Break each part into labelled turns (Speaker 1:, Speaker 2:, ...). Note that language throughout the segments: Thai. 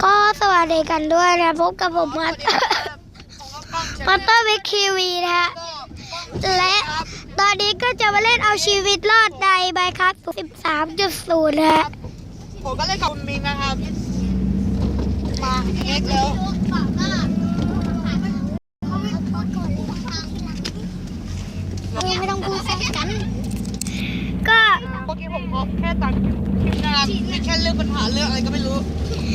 Speaker 1: ก็สวัสดีกันด้วยนะพบกับผมมาสเตอร์วิกทีวีนะฮะและตอนนี้ก็จะมาเล่นเอาชีวิตรอดในไบคัส 13.0 นะฮะ
Speaker 2: ผมก็เล่นกับคุณมิงนะครับมาเอ็กแล้ว
Speaker 1: ไม่ต้องพูดกันก็
Speaker 2: เมื่อกี้ผมแค่ตัดคลิปนะครับแค่เรื่องปัญหาเรื่องอะไรก็ไม่รู้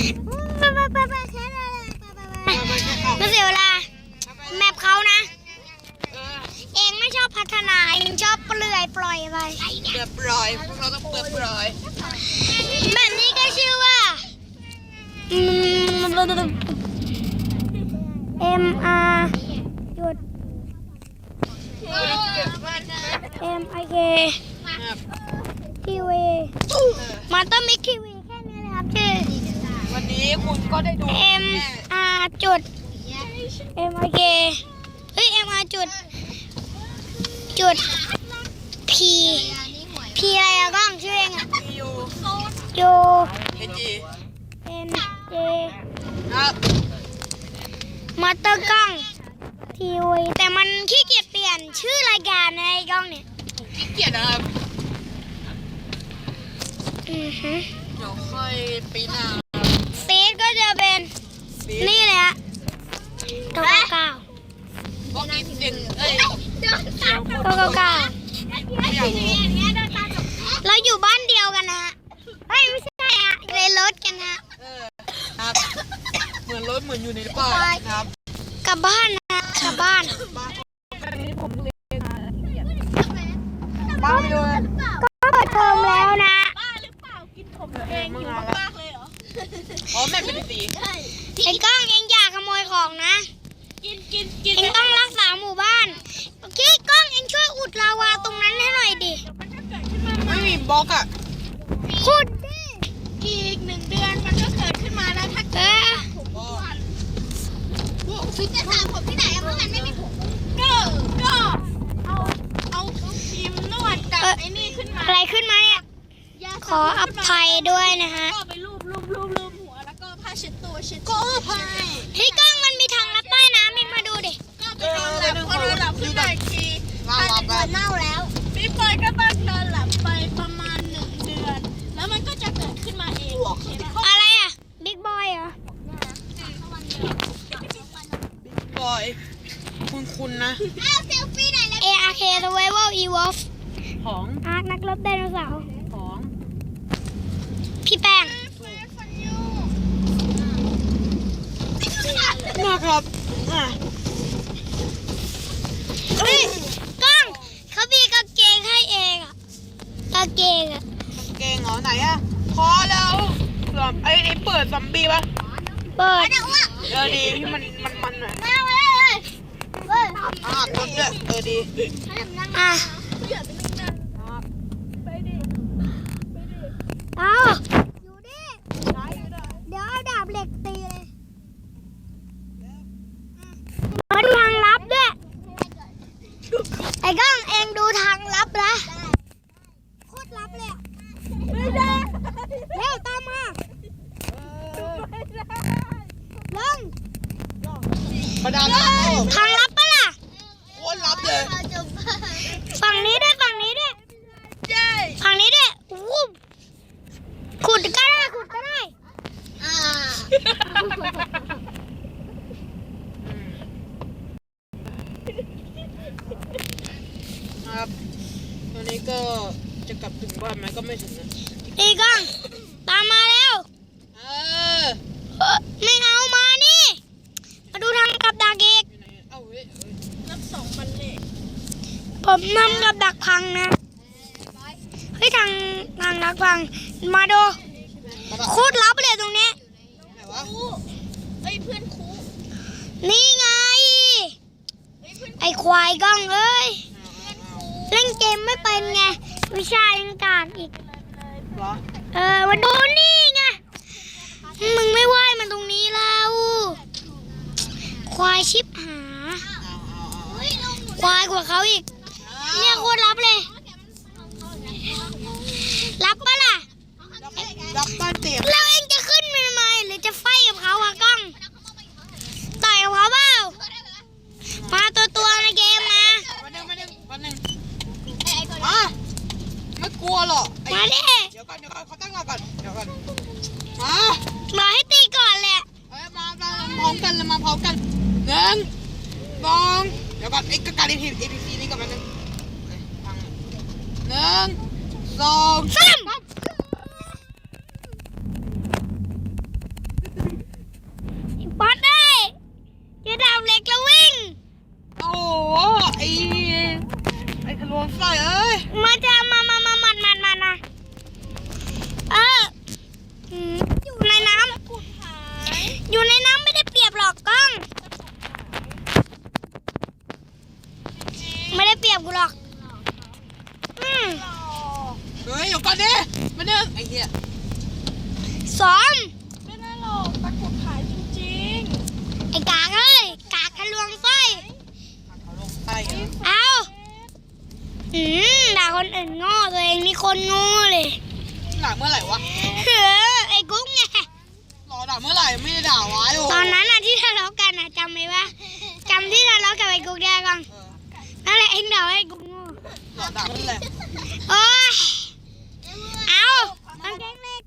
Speaker 1: ไม่เสียเวลาแมปเขานะเองไม่ชอบพัฒนาเองชอบเปลื่อยปล่อยไป
Speaker 2: เปิดปล่อยพวกเราต้องเปิดปล่อย
Speaker 1: แบบนี้ก็ชื่อว่า MR จุด MIK ทีวีมาต้องมิกทีวีแค่นี้เลยครับชื่อ
Speaker 2: วันนี้คุณก็ได้ดู
Speaker 1: MR จุด MIK เฮ้ย MR จุดP อะไรอะก้องชื่อเองอะU N J
Speaker 2: ครับ
Speaker 1: มาเตอร์กล้องทีวีแต่มันขี้เกียจเปลี่ยนชื่อรายการในกล้องเนี่ย
Speaker 2: ขี้เกียจนะครับเดี๋ยวค่อยปีหน้า
Speaker 1: ฟีดก็จะเป็นนี่เลยฮะ999
Speaker 2: ก็กินเด่น
Speaker 1: 999เราอยู่บ้านเดียวกันนะฮะเฮ้ยไม่ใช่ฮะในรถกันฮะ
Speaker 2: ครับเหมือนรถเหมือนอยู่ในป่าครับ
Speaker 1: กลับบ้านนะกลับบ้าน
Speaker 2: ผมเรียนบ้าไปเลย
Speaker 1: ก็เปิดเทอมแล้วนะ
Speaker 3: บ้าหรือเปล่ากินผมตัวเองอยู่มากเลยเหรอ
Speaker 2: อ๋อแม่เป็นสี
Speaker 1: ไอ้กล้องเองอย่าขโมยของนะ
Speaker 3: กิน
Speaker 1: เองต้องรักษาหมู่บ้านโอเคกล้องเองช่วยอุดลาวาตรงนั้นให้หน่อยดิ
Speaker 2: ไม่มีบล็อกอ่ะ
Speaker 1: ขุดดิ
Speaker 3: อีก1 เดือนมันก็เกิดขึ้นมาแล้วถ้าเกิดฟิตจะถามผมที่ไหนเพราะมันไม่มีผมก็เอาครีมนวดกับไอ้นี่ขึ้นมา
Speaker 1: อะไรขึ้นมาเนี่ยขออภัยด้วยนะฮะ
Speaker 3: ก็ไปรูปหัวแล้วก็ผ้าเช็ดตัวเช็ด
Speaker 1: เฮ้ยกล้องมันมีทางลัดใต้น้ำเองมาดูดิ
Speaker 3: ก็ไปนอนหลับพอนอนหลับขึ้นมาอีกทีผ้าเช็ดตัวเน่าแล้วพี่ปอยก็ต้องนอนหลับไปประมาณ1 เดือนแล้วมันก็จะเกิดขึ้นมาเอง
Speaker 1: อะไรอ่ะบิ๊กบอยเหร
Speaker 2: อบอยคุณนะ
Speaker 3: เซลฟี่ไหนเลย
Speaker 1: ARK Survival Evolve
Speaker 2: ของ
Speaker 1: อาร์คนักรบไดโนเสาร์
Speaker 2: ของ
Speaker 1: พี่แป้ง
Speaker 2: นะครับ
Speaker 1: เฮ้ยกล้องเขามีกางเกงให้เองอ่ะกางเกงอ่ะ
Speaker 2: เก่งเหรอไหนอ่ะพอแล้วไอ้เปิดซอมบี้ป่ะ
Speaker 1: เปิด
Speaker 2: ดีที่มันหน่อยกดด้วยดี
Speaker 1: อ่ะเอาอยู่ดิเดี๋ยวเอาดาบเหล็กตีเลยมาดูทางลับด้วยไอ้ก้องเองดูทางลับนะโคตรลับเลยเร็วตามมาลงทางลับปะล่ะ
Speaker 2: โคตรลับเลย
Speaker 1: ฝั่งนี้ด้วยฝั่งนี้ด้วยวูบขุดก็ได้
Speaker 2: ครับตอนนี้ก็จะกลับถึงบ้านไหมก็ไม่ถึงนะ
Speaker 1: อีกล้องตามมาแล้วไม่เอามานี่มาดูทางกับดักเอก
Speaker 3: รับส่งมันเลย
Speaker 1: ผมนำกับดักพังนะเฮ้ยทางดักพังมาดูโคตรลับเลยตรงนี้
Speaker 3: เพื่อนครู
Speaker 1: นี่ไงไอ้ควายกล้องเอ้ยเล่นเกมไม่เป็นไงวิชายังกากอีกมาดูนี่ไงมึงไม่ไหวมันตรงนี้แล้วควายชิบหาควายกว่าเขาอีกเนี่ยโคตรลับเลย รับปะล่ะ
Speaker 2: รับบ้านเตียง
Speaker 1: เราเองจะขึ้นมาทำไมหรือจะไฟกับเขา
Speaker 2: ตั้งรอก่อนเดี๋ยวก่อนมา
Speaker 1: รอให้ตีก่อนแหละ
Speaker 2: มาพร้อมกันเลยมาพร้อมกัน1 2เดี๋ยวก่อนไอ้การ APC นี่ก่อนแป๊บนึงฟัง1 2
Speaker 1: ซ้ำบอสได้จะดาบเหล็กแล้ววิ่ง
Speaker 2: โอ้โหไอ้ทะลวงไส้เอ้ย
Speaker 1: มาจะมานะอยู่ในน้ำอยู่ในน้ำไม่ได้เปรียบหรอกกล้อง ไม่ได้เปรียบกูหรอก
Speaker 2: เฮ้ยเดี๋ยวก่อนดิมาเดินไอ้เหี้ย
Speaker 1: ซ้อม
Speaker 3: ไม่ได้หรอกตะกรุดขายจริง
Speaker 1: ไอ้กากเอ้ยกากทะลวงไฟ
Speaker 2: ทะลวงไส้เหรอ
Speaker 1: เอาด่าคนอื่นโง่ตัวเองนี่คนโง่เลย
Speaker 2: ด่าเมื่อไหร่วะ
Speaker 1: ไอ้กุ๊กไง
Speaker 2: รอด่าเมื่อไหร่ไม่ได้ด่าไว้โอ้
Speaker 1: ตอนนั้นที่ทะเลาะกันจำไหมวะจำที่ทะเลาะกับไอ้กุ๊กได้ก่อนนั่นแหละเอ็งด่าไอ้กุ๊กโง่
Speaker 2: รอด่าเมื่อไหร่
Speaker 1: โอ้ยเอากางเกงเหล็ก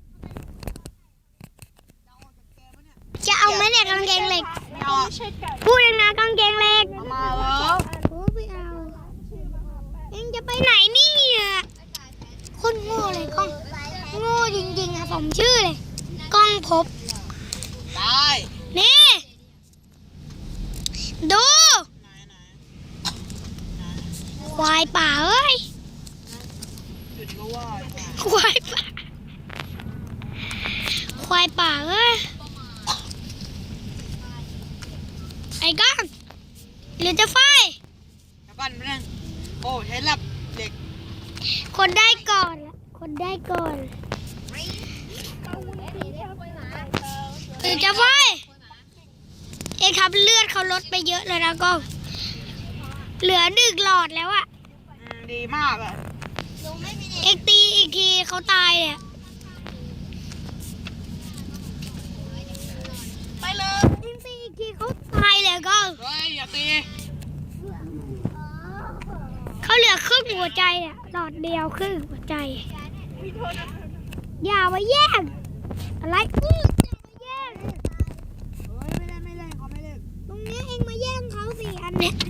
Speaker 1: จะเอาไหมเนี่ยกางเกงเหล็ก
Speaker 2: ไม่เอา
Speaker 3: ๆไม่ใช่ไก่
Speaker 1: พูดเองนะกางเกงเหล็ก
Speaker 2: มาแล้ว
Speaker 1: โอ้ไม่เอาเอ็งจะไปไหนเนี่ยคนโง่เลยกล้องโง่จริงๆสมชื่อเลยกล้องพบ
Speaker 2: ได้
Speaker 1: นี่ ดู
Speaker 2: ไหน
Speaker 1: ควายป่าเอ้ย
Speaker 2: จุดก็ว่า
Speaker 1: ควายป่าควายป่าเอ้ยไอ้ก้อนหรือจะไฟ
Speaker 2: แล้วก่อนมาเรื่องโอ้ใช้หลับเด็ก
Speaker 1: คนได้ก่อนละคนได้ก่อนหรือจะไฟเองครับเลือดเขาลดไปเยอะเลยนะก้องเหลือ1 หลอดแล้วอะ
Speaker 2: ดีมากอ่ะ
Speaker 1: เอ็กตีอีกทีเขาตายเลยอะ
Speaker 3: ไปเลย
Speaker 1: เอ็กตีอีกทีเขาตายเลยก้อง
Speaker 2: เฮ้ยอย่าตี
Speaker 1: เขาเหลือครึ่งหัวใจอะหลอดเดียวครึ่งหัวใจ อย่ามาแย่งอะไรอย่ามาแย่ง
Speaker 2: เฮ้ยไม่เล่นเขาไม่เล่น
Speaker 1: ตรงนี้เองมาแย่งเขาสิอันเนี้ย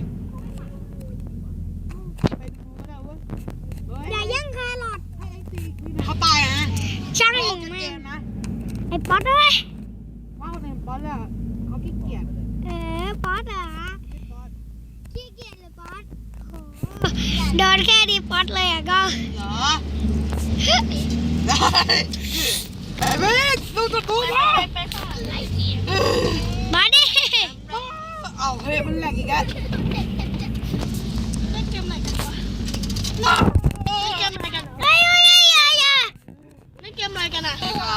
Speaker 2: ไปดูก็ได้เว้ยเฮ้ย
Speaker 1: อย่าแย่งแครอท
Speaker 2: ให้ไอ้ตีเขาตายนะ
Speaker 1: ช่าง
Speaker 2: เก
Speaker 1: มึง
Speaker 2: ม
Speaker 1: แม่ง
Speaker 2: นะ
Speaker 1: ไอ้ป๊อตเอ้ย
Speaker 2: ว่าคนเป็นบอสอะเขาขี้เกียจ
Speaker 1: ป๊อตเหรอขี้เกียจเลยป๊อตโหโดนแค่ดีป๊อตเลยอะก็
Speaker 2: เหรอได้ไอ้เมฆดูตัวกูมา
Speaker 3: ไปค่ะ
Speaker 1: มาดิ
Speaker 2: เอาเฮ้ยมันแหลกอีกแล้ว
Speaker 3: เล่นเกมไหนกันวะเล่นเกมอะไรกัน
Speaker 1: เฮ้ยอย่า
Speaker 3: เล่นเกมอะไรกันอ่ะ
Speaker 2: ครับ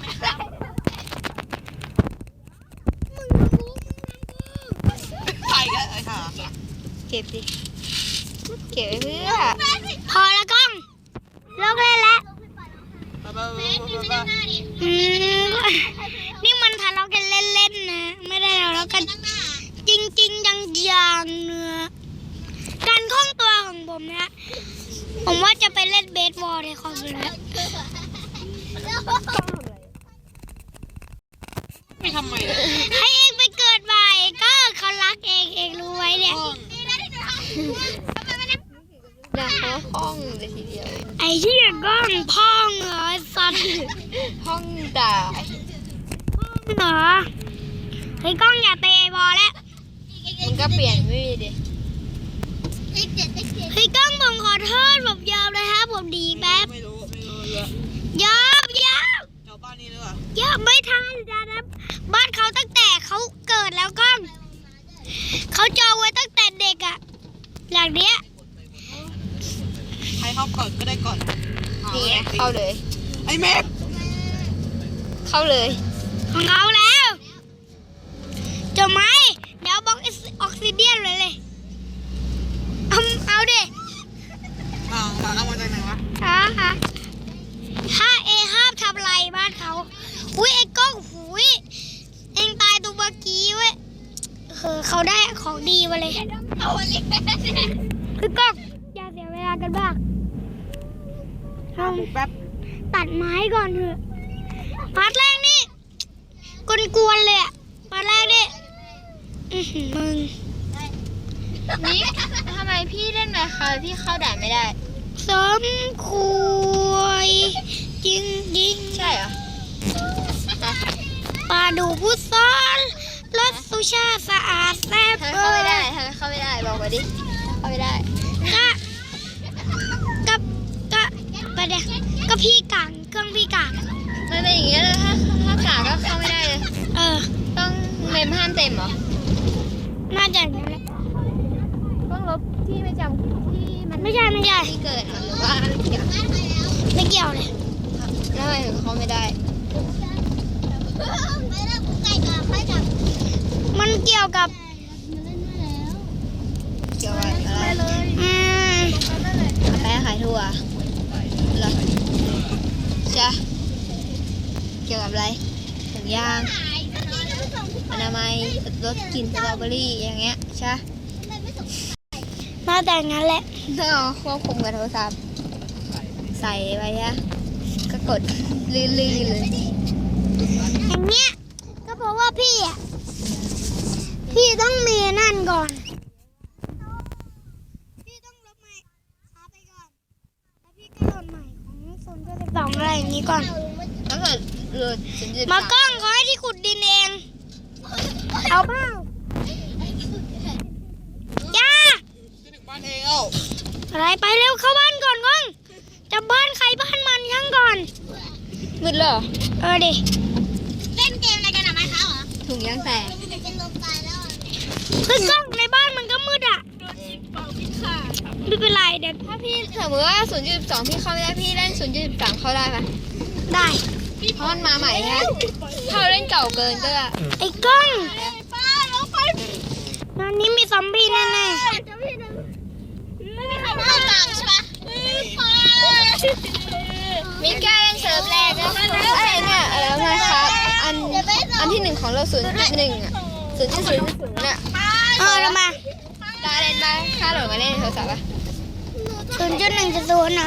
Speaker 1: มึงรู้
Speaker 2: ใครกันไอ้ห่า
Speaker 4: เก็บดิ เก็บไว้เพื่อ
Speaker 1: พอแล้วกล้องเลิกเล่นแล้ว นี่มันทะเลาะกันเล่นๆนะ ไม่ได้ทะเลาะกันจริงๆจังๆเนื้อการคล่องตัวของผมนะผมว่าจะไปเล่นเบสบอลในคอมแล้ว
Speaker 2: ไม่ทำไมเนี่ย
Speaker 1: ให้เองไปเกิดใหม่ก็เขารักเองรู้ไว้เนี่ย
Speaker 4: ด่าเขาห้องเลยทีเดียว
Speaker 1: ไอ้ที่ก้องพ่องเหรอไอ้สัตว์
Speaker 4: ห้องด่า
Speaker 1: พ่องเหรอไอ้ก้องอย่าเตะบอลแล้ว
Speaker 4: มึงก็เปลี่ยนไม่ดีดิ
Speaker 1: เฮ้ยก้องผมขอโทษผมยอมเลยครับผมดีแป๊บ
Speaker 2: ไม่รู้เยอะ
Speaker 1: ยอม
Speaker 2: เจ้าบ้านนี้หรือเปล่า
Speaker 1: ไม่ทันจ้านะบ้านเขาตั้งแต่เขาเกิดแล้วก้องเขาจองไว้ตั้งแต่เด็กอะหลังเนี้ย
Speaker 2: ใครเข้าก่อนก็ได้ก่อน
Speaker 4: นี่ไงเข้าเลย
Speaker 2: ไอ้เมฆ
Speaker 4: เข้าเลย
Speaker 1: ของเขาแล้วจะไหมเดี๋ยวบล็อกออกซิเดียนเลยเอาดิ
Speaker 2: เอามาจากไหนวะ
Speaker 1: ถ้าเอห้ามทำไรบ้านเขาอุ้ยไอ้กล้องหุยเองตายตัวเมื่อกี้เว้ยเขาได้ของดีมาเลยคือกล้องอย่าเสียเวลากันบ้าง
Speaker 2: แป๊บ
Speaker 1: ตัดตัดไม้ก่อนเถอะพาร์ทแรกนี่กวนๆเลยอะพาร์ทแรกนี่มึง
Speaker 4: นี่ทำไมพี่เล่นไหมคะพี่เข้าด่านไม่ได้
Speaker 1: สมควรจริง
Speaker 4: ใช่เหรอ
Speaker 1: ๆปลาดูผู้ซ้อนรถสุชาติสะอาดแซ่บ
Speaker 4: ทำไมเข้าไม่ได้ทำไมเข้าไม่ได้บอกมาดิเข้าไม่ได้
Speaker 1: ก็พี่กางเครื่องพี่กาง
Speaker 4: มันเป็นอย่างเงี้ยเลยถ้ากาก็เข้าไม่ได้เลย
Speaker 1: เออ
Speaker 4: ต้องเมมห้ามเต็มเหรอ
Speaker 1: น่าจะอย่างนั้นแหละ
Speaker 4: ต้องลบที่ไม่จำที่มัน
Speaker 1: ไม่ใช่
Speaker 4: ที่เกิดเหรอหรือว่าอะไรเกี่ยว
Speaker 1: ไม่เกี่ยวเลย
Speaker 4: แล้วทำไมถึงเข้าไม่ได้
Speaker 1: มันเกี่ยวกับ
Speaker 4: เกี่ยวกับอะไร
Speaker 1: ม
Speaker 4: แป้งขายถั่วเหรอใช่เกี่ยวกับอะไรถุงยางอนามัยลดกลิ่นสตรอเบอรี่อย่างเงี้ยใช่
Speaker 1: น่าจะอย่างนั้นแหละ
Speaker 4: ต้องเอาควบคุมกับโทรศัพท์ใส่ไปฮะก็กดลื่นๆเลย
Speaker 1: อย่างเงี้ยก็เพราะว่าพี่ต้องมีนั่นก่อนพี่ต้องลบใหม่เอาไปก่อนแล้วพี่ก็โหลดใหม่ของ0.12อะไรอย่างนี้ก่อน
Speaker 4: แล้วเกิดหลุด0.3
Speaker 1: มากล้องขอให้ที่ขุดดินเองเอาเปล่าย่า
Speaker 2: จะถึงบ้านเองเอ้า
Speaker 1: อะไรไปเร็วเข้าบ้านก่อนก้องจะบ้านใครบ้านมันช่างก่อน
Speaker 4: มืดเหรอ
Speaker 1: เออดิ
Speaker 3: เล่นเกมอะไรกันอะไหมคะเหรอ
Speaker 4: ถุงยางแตก
Speaker 3: เป็นลมตายแล้ว
Speaker 1: คือกล้องในบ้านมันก็มืดอ่ะไม่เป็นไรเดี๋ยว
Speaker 4: ถ้าพี่สมมติว่า 0.12 พี่เข้าไม่ได้พี่เล่น 0.13 เข้าได้ไหม
Speaker 1: ได้
Speaker 4: เพราะมันมาใหม่ฮะถ้าเราเล่นเก่าเกินก็
Speaker 1: ไอ้กล้อง
Speaker 3: ป้าลงไป
Speaker 1: ตอนนี้มีซอมบี้แน่
Speaker 3: ไม่มีใครเข้าต่างใช่ไหม
Speaker 4: มีแก้เล่นเซิร์ฟแรกก็อะไรเนี่ยแล้วนะครับอันที่ 1ของเรา 0.1 อ่ะ 0.00เนี่ย
Speaker 1: ๆเออเรามา
Speaker 4: ตาเล่นบ้างค่าโหลดมาเล่นในโทรศัพท์ป่ะ
Speaker 1: 0.1.0เหรอ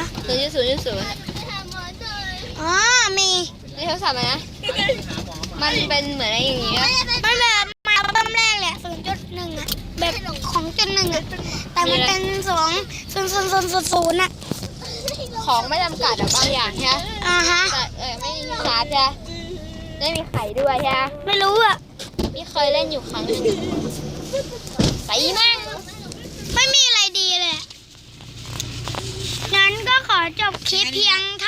Speaker 4: 0.0
Speaker 1: อ๋อมี
Speaker 4: ในโทรศัพท์นะมันเป็นเหมือนอะไรอย่างเงี้ย
Speaker 1: มันแบบมาอัลบั้มแรกแหละ0.1อ่ะแบบของ0.1อ่ะแต่มันเป็น0.000อ่ะ
Speaker 4: ของไม่จำกัดอะบางอย่างใช่ไหม
Speaker 1: อ่าฮะ
Speaker 4: แต่ไม่มีชาร์จใช่ไม่มีไข่ด้วยใช่ไหม
Speaker 1: ไม่รู้อ่ะ
Speaker 4: พี่เคยเล่นอยู่ครั้งหนึงใส่มาก
Speaker 1: ไม่มีอะไรดีเลยอะงั้นก็ขอจบคลิปเพียงเท่า